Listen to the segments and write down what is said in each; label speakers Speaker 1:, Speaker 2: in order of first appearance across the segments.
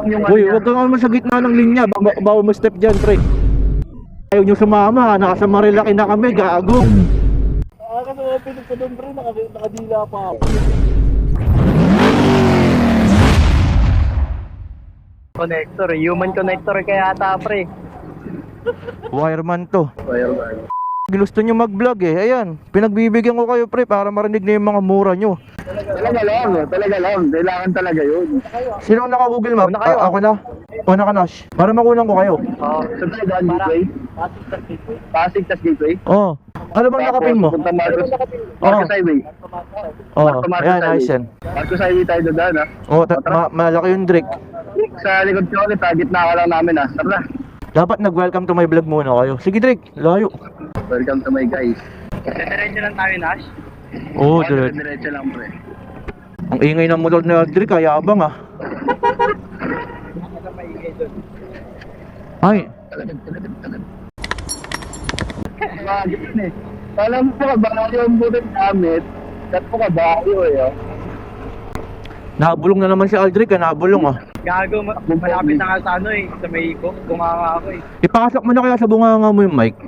Speaker 1: lang yung
Speaker 2: Uy, huwag kang naman sa gitna ng linya. Bawa mo step dyan, pre. Ayaw nyo sumama. Nasa Marilaki na kami, gago.
Speaker 1: Kasi mga pinig ko doon, pre. Nakadila pa ako. Connector, human connector kaya ata, pre.
Speaker 2: Wireman to.
Speaker 1: Wireman.
Speaker 2: Gusto nyo mag-vlog eh. Ayan, pinagbibigyan ko kayo, pre, para marinig na yung mga mura nyo.
Speaker 1: Talaga lang. Kailangan talaga yun.
Speaker 2: Sino ang naka-Google Map?
Speaker 1: Una kayo,
Speaker 2: Ako na. Una ka, Nash. Para makunan ko kayo.
Speaker 1: Sa Taiwan Gateway? Pasig tas Gateway?
Speaker 2: Oo. Ano bang nakapin mo?
Speaker 1: Punta Marcos Highway.
Speaker 2: Oo.
Speaker 1: Marcos
Speaker 2: Ayan,
Speaker 1: Highway.
Speaker 2: nice yan.
Speaker 1: Marcos Highway tayo dadaan, ha?
Speaker 2: Oo, malaki yung Drake.
Speaker 1: Sa likod ko ulit, gitna ka lang namin, ha? Tara.
Speaker 2: Dapat nag-welcome to my vlog muna kayo. Sige, Drake. Layo.
Speaker 1: Welcome to my guys. Diretso lang tayo, Nash?
Speaker 2: Oo, Drake.
Speaker 1: Diretso lang, pre.
Speaker 2: Ang ingay ng motor na Drake, kaya abang ah. Ay,
Speaker 1: Ganun eh. Alam mo ka ba yung butot gamit? Kat mo ka ba eh, oh?
Speaker 2: nabulong na naman si Aldrich, nabulong ah.
Speaker 3: Gago, malapit na nga sa ano eh, sa may iko, bunganga ako eh.
Speaker 2: Ipakasok mo na kaya sa bunganga mo yung mic.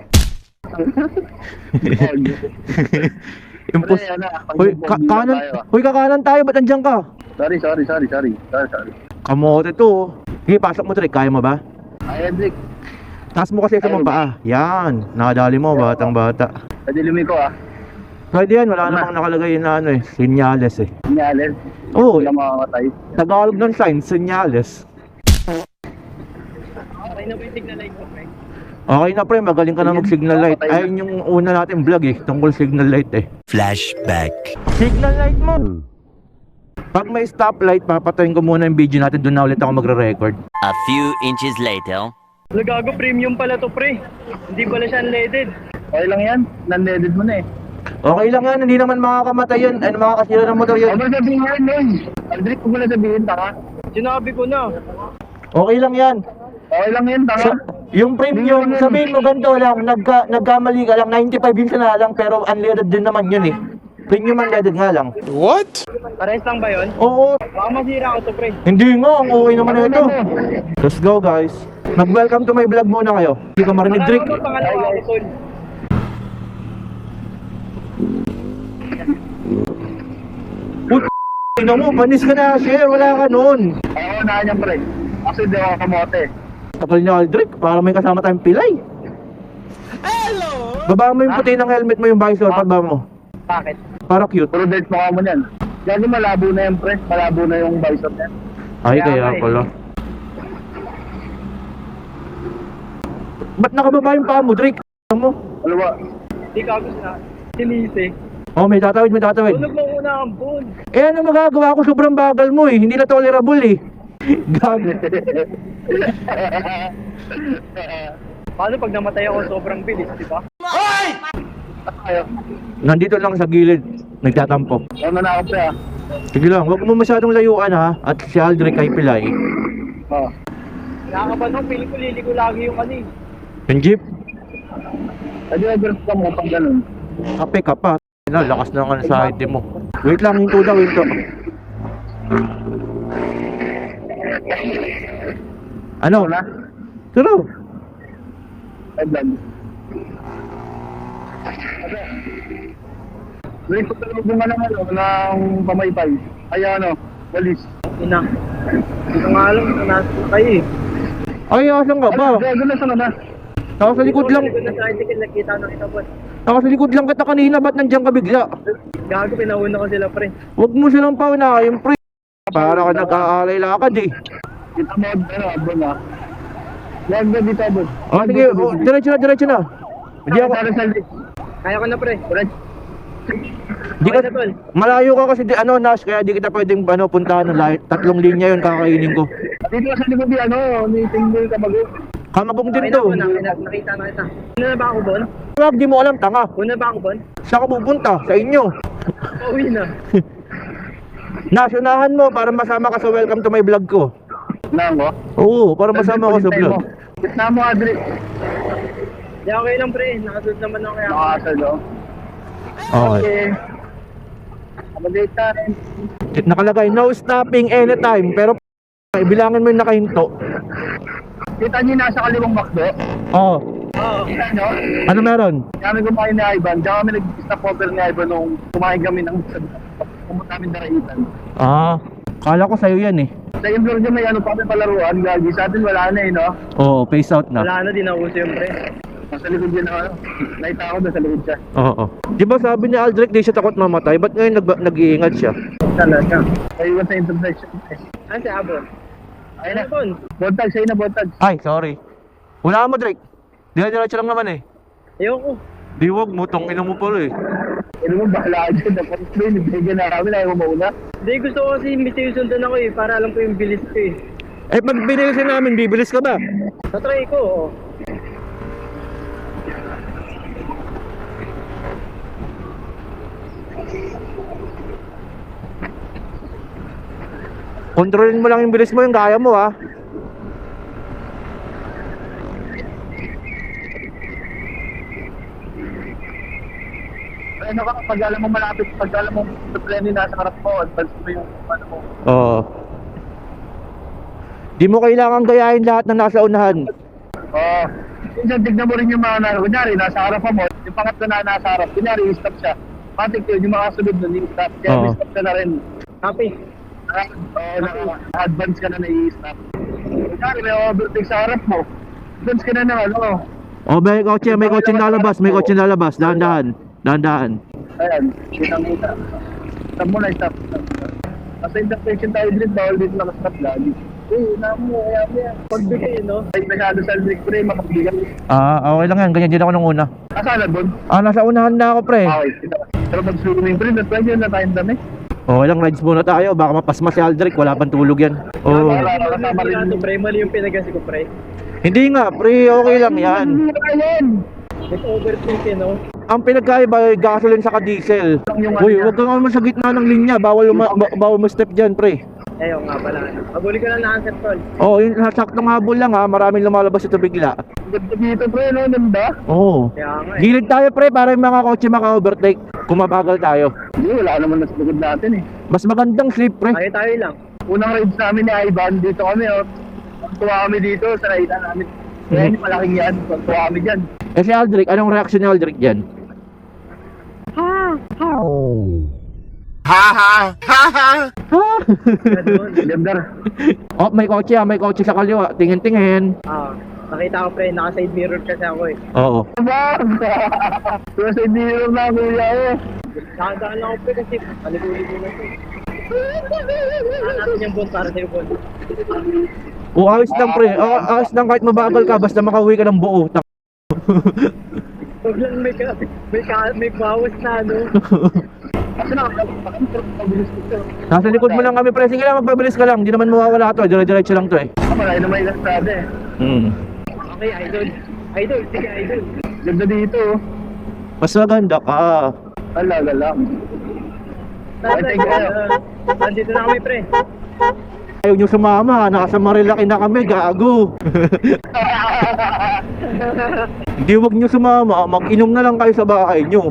Speaker 2: Impos. Hoy, kakanan tayo, ba't andyan ka?
Speaker 1: Sorry.
Speaker 2: Kamote to. Oh. Sige, pasok mo, Drake, kaya mo ba?
Speaker 1: Ay, Hendrik.
Speaker 2: Taas mo kasi sa mga paa. Yan, nakadali mo, batang bata.
Speaker 1: Pwede lumiko, ah.
Speaker 2: Pwede yan, wala namang nakalagay na ano eh, senyales eh.
Speaker 1: Sinyales.
Speaker 2: Oo,
Speaker 1: Wala makakatay.
Speaker 2: Tagalog ng sign, senyales.
Speaker 3: Okay na ba yung signal light ko, pre?
Speaker 2: Okay na pre, magaling ka na mag-signal light. Ayun yung una natin vlog eh, tungkol signal light eh.
Speaker 4: Flashback.
Speaker 2: Signal light mo! Pag may stoplight, papatayin ko muna yung video natin, doon na ulit ako magre-record.
Speaker 4: A few inches later.
Speaker 3: Gago, premium pala to, pre. Hindi pala siya unleaded.
Speaker 1: Okay lang yan. Non-leaded mo na eh.
Speaker 2: Okay lang yan, hindi naman makakamatay yun, ano makakasira ng motor yun.
Speaker 1: Huwag mo sabihin yan, Noy. Hendrik, huwag mo na sabihin, taka.
Speaker 3: Sinabi ko na.
Speaker 2: Okay lang yan.
Speaker 1: Okay lang yan, taka.
Speaker 2: Yung premium, sabihin mo ganito lang, nagkamali ka lang, 95 yun na lang, pero unleaded din naman yun eh. Premium unleaded nga lang.
Speaker 3: Pares lang ba yun?
Speaker 2: Oo,
Speaker 3: Baka masira ako to, pre.
Speaker 2: hindi nga, ang okay naman na ito. Let's go guys. Mag-welcome to my vlog muna kayo. Hindi ka marinig, Drake.
Speaker 3: Ano pangalawa ako, tol?
Speaker 2: Tingnan mo, panis ka na, share, wala ka nun.
Speaker 1: Ako na yan, pre. Kasi di ako kamote.
Speaker 2: Kapal niya, Aldrich, para may kasama tayong pilay. Hello! Baba mo yung puti ng helmet mo, yung visor, pagbaba mo.
Speaker 3: Bakit?
Speaker 2: Para cute.
Speaker 1: Puro dirt mukha mo yan. Lagi malabo na yan, pre. Malabo na yung visor niyan.
Speaker 2: Ay,
Speaker 3: Kaya
Speaker 2: kaya
Speaker 3: nga eh.
Speaker 2: pala. Ba't nakababa yung paa mo, Drake? Ano mo?
Speaker 1: Ano ba?
Speaker 3: Hindi ka gusto na. Sinisi.
Speaker 2: Oh, may tatawid, may tatawid.
Speaker 3: Tulog mo muna ang phone.
Speaker 2: Eh, ano magagawa ko? Sobrang bagal mo eh. Hindi na tolerable eh. Gago.
Speaker 3: Paano pag namatay ako sobrang bilis, di ba?
Speaker 1: Ayaw.
Speaker 2: Nandito lang sa gilid. Nagtatampo.
Speaker 1: Ano na ako, pre, ah.
Speaker 2: Sige lang, huwag mo masyadong layuan ha. At si Aldrich kay pilay.
Speaker 1: Oh.
Speaker 3: Nakakaban mo, piling ko liliko lagi yung ano eh.
Speaker 2: Yung jeep,
Speaker 1: Pwede overf ka mo pag ganun.
Speaker 2: kape ka pa. Lakas na nga sa ID mo. Wait lang, hinto daw, hinto. Ano?
Speaker 1: Wala?
Speaker 2: Turo.
Speaker 1: Ay, vlog. Wait, pagkalubong ka ng ano, ng pamaypay. Ay, ano, walis.
Speaker 3: Ina. Hindi ko nga alam kung nasa kayo eh.
Speaker 2: Ay, asan ka ba?
Speaker 1: Gago na sa na.
Speaker 2: Nasa likod lang.
Speaker 3: Hindi ko na sa akin nakita ng itabot.
Speaker 2: Nasa likod lang kita kanina. Ba't nandiyan ka bigla?
Speaker 3: Gago, pinauna ko sila, pre.
Speaker 2: Huwag mo silang paunahin, pre. Para ka nag-aalay lakad eh.
Speaker 1: Kita mo, ano, abon ah. Lag na dito, abon.
Speaker 2: Oh, sige, oh, diretso na, diretso na. Hindi ako,
Speaker 1: Para sa
Speaker 3: Kaya ko na, pre.
Speaker 2: di ka,
Speaker 3: Okay na, tol.
Speaker 2: malayo ka kasi, ano, Nash, kaya di kita pwedeng, ano, puntahan ng lahat. 3 linya yun kakainin ko.
Speaker 1: Dito sa likod di ano, ni Tinggol Kabago.
Speaker 2: Kamabong din
Speaker 3: Okay
Speaker 2: to.
Speaker 3: na, nakita na kita. Una na ba ako, Bon?
Speaker 2: Wag, di mo alam, tanga.
Speaker 3: Una ba ako, Bon?
Speaker 2: Saan ka pupunta? Sa inyo.
Speaker 3: Pauwi na.
Speaker 2: Nash, unahan mo para masama ka sa welcome to my vlog ko.
Speaker 1: Na mo?
Speaker 2: Oo, para masama ka sa vlog.
Speaker 1: Gitna mo, Adri.
Speaker 3: Di okay lang, pre. Nakasunod naman ako kaya.
Speaker 1: Nakakasal, oh.
Speaker 2: Okay.
Speaker 1: Update tayo.
Speaker 2: Nakalagay, no stopping anytime. Pero Ibilangin mo yung nakahinto.
Speaker 1: Kita niyo nasa kaliwang McDo?
Speaker 2: Oo.
Speaker 3: Oo.
Speaker 1: Kita niyo?
Speaker 2: Ano meron?
Speaker 1: Kami kumain ni Ivan, tsaka kami nag-stop over ni Ivan nung kumain kami ng pumunta namin Daraitan.
Speaker 2: Ah, kala ko sa'yo yan eh.
Speaker 1: Sa yung floor dyan may ano pa kami palaruan, gagi. Sa atin wala na eh, no?
Speaker 2: Oo, face out na.
Speaker 3: Wala na, di nauso yung pre.
Speaker 1: Nasa likod dyan ako, nakita ko doon sa likod siya.
Speaker 2: Oo. Di ba sabi ni Aldrich di siya takot mamatay? Ba't ngayon nag-iingat siya?
Speaker 1: Talaga. Naiwan sa intersection eh.
Speaker 3: Ano si Abon?
Speaker 1: Ayun na.
Speaker 3: Abon?
Speaker 1: Bontag, sa'yo na bontag.
Speaker 2: Ay, sorry. Wala mo, Drake. Diretso lang naman eh.
Speaker 3: Ayoko.
Speaker 2: Di wag mo, tongin mo pala eh.
Speaker 1: Ano mo, bahala ka dyan. Dapat mo yun, ibigyan na kami, ayaw mo mauna.
Speaker 3: Hindi, gusto ko kasi imbis yung sundan ako eh, para alam ko yung bilis ko eh.
Speaker 2: Eh, pag binilisin namin, bibilis ka ba?
Speaker 3: Tatry ko, oo.
Speaker 2: Kontrolin mo lang yung bilis mo, yung kaya mo ah.
Speaker 1: Ano ka, pag alam mo malapit, pag alam mo sa plane nasa harap mo, advance mo yung ano mo.
Speaker 2: Oo. Di mo kailangan gayahin lahat ng nasa unahan.
Speaker 1: Oo. Minsan tignan mo rin yung mga nasa, kunyari, nasa harap mo, yung pangatlo na nasa harap, kunyari, i-stop siya. Matik yun, yung mga sunod nun, i-stop. Kaya
Speaker 2: Oo.
Speaker 1: i-stop ka na rin.
Speaker 3: Happy.
Speaker 1: Oo, advance ka na na i-stop. Kunyari, may overtake sa harap mo, advance ka na na, ano.
Speaker 2: Oh, may kotse lalabas, may kotse lalabas. Dahan-dahan. Dahan-dahan.
Speaker 1: Ayan, kitang-kita. Stop mo na, stop. Nasa intersection tayo din, bawal dito nakastop lagi. Na mo, kaya mo yan.
Speaker 3: Pagbigay, no?
Speaker 1: Ay, masyado sa break pre, makabigan.
Speaker 2: Ah, okay lang yan. Ganyan din ako nung una.
Speaker 1: Nasaan na doon?
Speaker 2: Ah, nasa unahan na ako, pre.
Speaker 1: Okay, kita. Pero mag-swimming pre, pwede yun na tayong dami.
Speaker 2: Okay lang, rides muna tayo. Baka mapasma si Aldrich. Wala pang tulog yan. Oo.
Speaker 1: Wala, kasama rin.
Speaker 3: Pre, mali yung pinagasi ko, pre.
Speaker 2: Hindi nga, pre. Okay lang yan.
Speaker 1: Ayun!
Speaker 3: Nag-overtake, no?
Speaker 2: Ang pinagkaiba ay gasoline sa diesel. Uy, huwag kang naman sa gitna ng linya. Bawal mo step dyan, pre.
Speaker 3: Ayaw nga pala. Habuli ko lang na answer call.
Speaker 2: Oo, yung saktong habol lang ha. Maraming lumalabas ito bigla.
Speaker 1: Ganda dito pre, no? Ganda.
Speaker 2: Oo.
Speaker 3: Kaya nga eh.
Speaker 2: Gilid tayo, pre, para yung mga kotse maka-overtake. Kumabagal tayo.
Speaker 1: Hindi, wala naman nasa likod natin eh.
Speaker 2: Mas magandang sleep, pre.
Speaker 3: Tayo lang.
Speaker 1: Unang rides namin ni Ivan, dito kami oh. Tuwa kami dito sa ride namin. Kaya hindi malaking yan, tuwa kami dyan.
Speaker 2: Eh si Aldrich, anong reaction ni Aldrich dyan?
Speaker 3: Ganun.
Speaker 1: Ganda.
Speaker 2: Oh, may kotse sa kaliwa. Tingin-tingin.
Speaker 3: Nakita ko, pre, naka-side mirror kasi ako eh.
Speaker 2: Oo.
Speaker 1: Bang! Pero sa hindi na kuya eh.
Speaker 3: Nakadaan lang ako, pre, kasi paliguli-ligo na ito. Natin yung bond para sa'yo, bond.
Speaker 2: O, ayos lang, pre. Ayos lang kahit mabagal ka, basta makauwi ka ng buo.
Speaker 3: Huwag lang may bawas na, ano.
Speaker 1: Kasi nakakabilis ko.
Speaker 2: Nasa likod mo lang kami, pre. Sige lang, magpabilis ka lang. Hindi naman mawawala to. Dire-diretso lang to eh.
Speaker 1: Marami na may lanstrada eh.
Speaker 3: Okay, idol. Idol, sige, idol.
Speaker 1: Ganda dito oh.
Speaker 2: Mas maganda ka.
Speaker 1: Alaga lang. Ay, thank you.
Speaker 3: Nandito na kami, pre.
Speaker 2: Ayaw nyo sumama. Nasa Marilaki na kami. Gago. Hindi, wag nyo sumama. Mag-inom na lang kayo sa bahay nyo.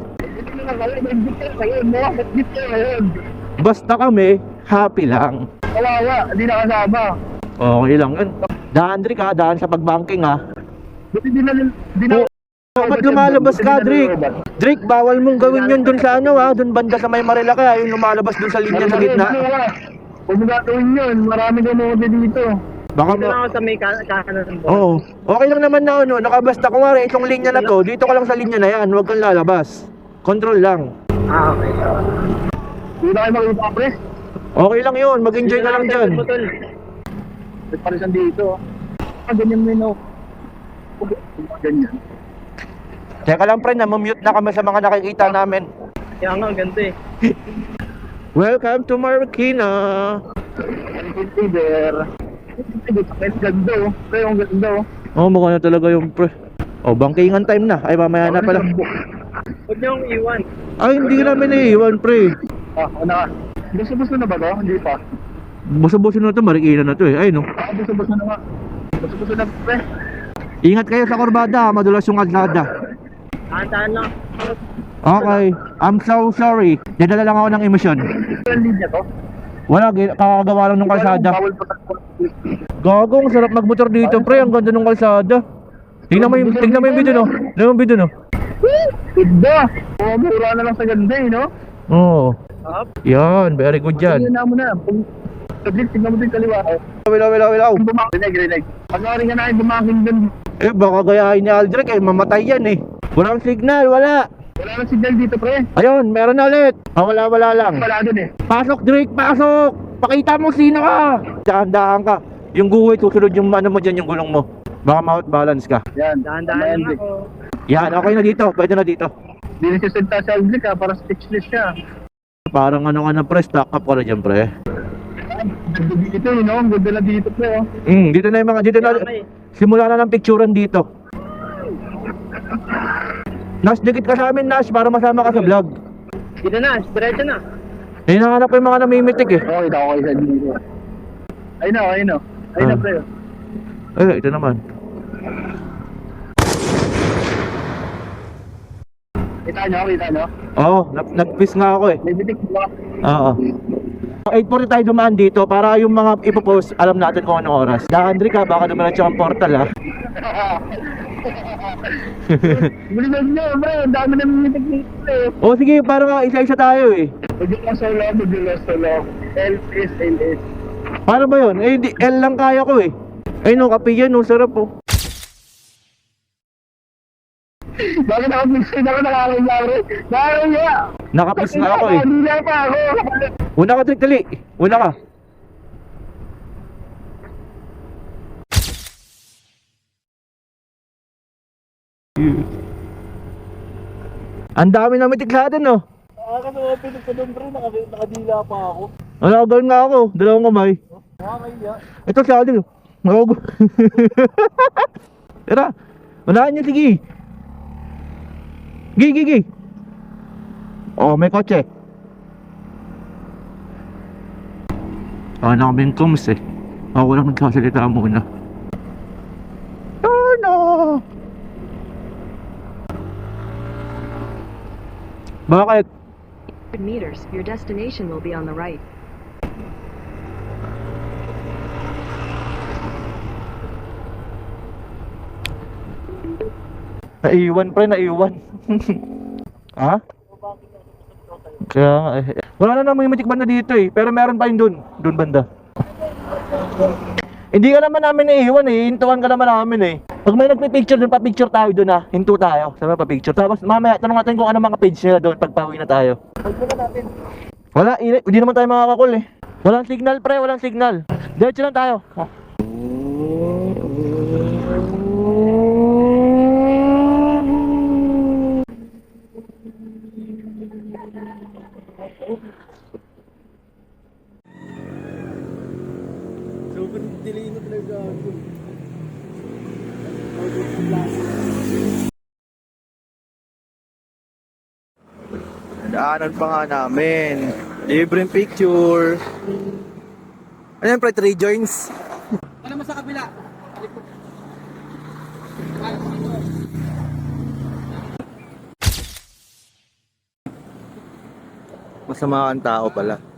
Speaker 2: Basta kami, happy lang.
Speaker 1: Kawawa, hindi nakasama.
Speaker 2: Okay lang yun. Daan, Drake ha. Daan sa pagbanking ha.
Speaker 1: Buti di na
Speaker 2: Ba't lumalabas ka, Drake? Drake, bawal mong gawin yun dun sa ano ha. Dun banda sa may Marilaki ha. Yung lumalabas dun sa linya sa gitna.
Speaker 1: Huwag mo gagawin yun, marami gamote dito.
Speaker 2: Baka
Speaker 3: Dito na ako sa may kanan ng bond.
Speaker 2: Oo. Okay lang naman na ano. Nakabasta ko nga rin. Itong linya na to. Dito ka lang sa linya na yan. Huwag kang lalabas. Control lang.
Speaker 3: Okay.
Speaker 1: Hindi na kayo makita, pre.
Speaker 2: Okay lang yun. Mag-enjoy ka lang dyan.
Speaker 1: May parisan dito. Ganyan mo yun, oh. Ganyan.
Speaker 2: Teka lang, friend. Namumute na kami sa mga nakikita namin.
Speaker 3: Kaya nga, ganda eh.
Speaker 2: Welcome to Marikina.
Speaker 1: Hindi there. Ang ganda, oh. Pre, ang ganda, oh.
Speaker 2: Oh, mukha na talaga yung pre. Oh, bangkingan time na. Ay, mamaya na pala.
Speaker 3: Huwag niyong iwan.
Speaker 2: Ay, hindi namin naiiwan, pre.
Speaker 1: Una ka. Buso-buso na ba to? Hindi pa.
Speaker 2: Buso-buso na to. Marikina na to eh. Ay, no.
Speaker 1: Buso-buso na nga. Buso-buso na, pre.
Speaker 2: Ingat kayo sa kurbada. Madulas yung kalsada.
Speaker 3: Tahan lang.
Speaker 2: Okay. I'm so sorry. Nadala lang ako ng emosyon.
Speaker 1: Ang linya to?
Speaker 2: Wala, kakagawa lang ng kalsada.
Speaker 1: Bawal pa.
Speaker 2: Gagong, sarap magmotor dito, pre. Ang ganda ng kalsada. Tingnan mo yung video, no? Tingnan mo yung video, no?
Speaker 1: Ganda. Oh, mura na lang sa ganda eh, no?
Speaker 2: Oo.
Speaker 3: Up.
Speaker 2: Yan, very good yan.
Speaker 1: Tingnan mo na. Saglit, tingnan mo din kaliwa.
Speaker 2: Wilaw.
Speaker 1: Rinig. Pag-aari ka na yung bumaking dun.
Speaker 2: Eh, baka gayahin ni Aldrich, eh, mamatay yan, eh. Walang signal, wala.
Speaker 1: Wala na signal dito, pre.
Speaker 2: Ayun, meron na ulit. Wala lang.
Speaker 1: Wala dun eh.
Speaker 2: Pasok, Drake, pasok! Pakita mo sino ka! Dahan-dahan ka. Yung guhit, susunod yung ano mo dyan, yung gulong mo. Baka ma-balance ka.
Speaker 1: Yan.
Speaker 3: Dahan-dahan lang ako.
Speaker 2: Yan, okay na dito. Pwede na dito.
Speaker 1: Hindi na siya salita sa Aldrich ha, para speechless siya.
Speaker 2: Parang ano ka na, pre. Stock up ka na dyan, pre.
Speaker 1: Ganda dito eh, no? Ang ganda na dito, pre, oh.
Speaker 2: Dito na yung mga, dito na. Simula na ng picturean dito. Nash, dikit ka sa amin, Nash, para masama ka sa vlog.
Speaker 3: Dito na, diretso na.
Speaker 2: Hinahanap ko yung mga namimitik, eh.
Speaker 1: Okay, okay sa dito. Ayun na, ayun na. Ayun na,
Speaker 2: Ah.
Speaker 1: pre. oh.
Speaker 2: Ay, ito naman.
Speaker 1: Kita nyo?
Speaker 2: Oo, nag-piss nga ako, eh.
Speaker 1: May bitik ba?
Speaker 2: Oo. 8:40 tayo dumaan dito para yung mga ipopost, alam natin kung anong oras. Dahandri ka, baka dumiretso ang portal, ha.
Speaker 1: Bilisan nyo, pre. Ang dami na bitik dito, pre.
Speaker 2: O sige, parang isa-isa tayo, eh.
Speaker 1: Magdula solo. LS.
Speaker 2: Paano ba yun? Eh, L lang kaya ko, eh. Ay, no, kape yan, no, sarap, oh.
Speaker 1: Bakit ako minsan ako nakakilari? Nakakilya!
Speaker 2: Nakapis na ako, eh.
Speaker 1: Hindi pa ako.
Speaker 2: Una ka, Trick, dali. Una ka. Ang dami na mitik sa atin, no?
Speaker 3: Nakakasapin sa nombre, nakadila pa ako.
Speaker 2: Wala, gawin nga ako. Dalawang kamay.
Speaker 3: Nakakaya.
Speaker 2: Ito sa atin, oh. Magugo. Tara, unahan niyo, sige. Gi. Oh, may kotse. Na kaming kums, eh. Ako lang nagsasalita muna. Oh, no. Bakit?
Speaker 5: Meters, your destination will be on the right.
Speaker 2: Naiwan, pre, naiwan. Ha? Kaya nga, eh. Wala na namang magic banda dito, eh. Pero meron pa yun dun. Dun banda. Hindi ka naman namin naiiwan, eh. Hintuan ka naman namin, eh. Pag may nagpipicture dun, pa-picture tayo dun, ha. Hinto tayo. Sabi pa-picture. Tapos mamaya, tanong natin kung ano mga page nila doon pag pauwi na tayo. Wala, hindi naman tayo makakakul, eh. Walang signal, pre. Walang signal. Diretso lang tayo. Ha?
Speaker 3: Daanan pa nga namin. Libreng picture. Ano yan, pre? 3 joints? Ano mo sa kabila? Masama ang tao pala.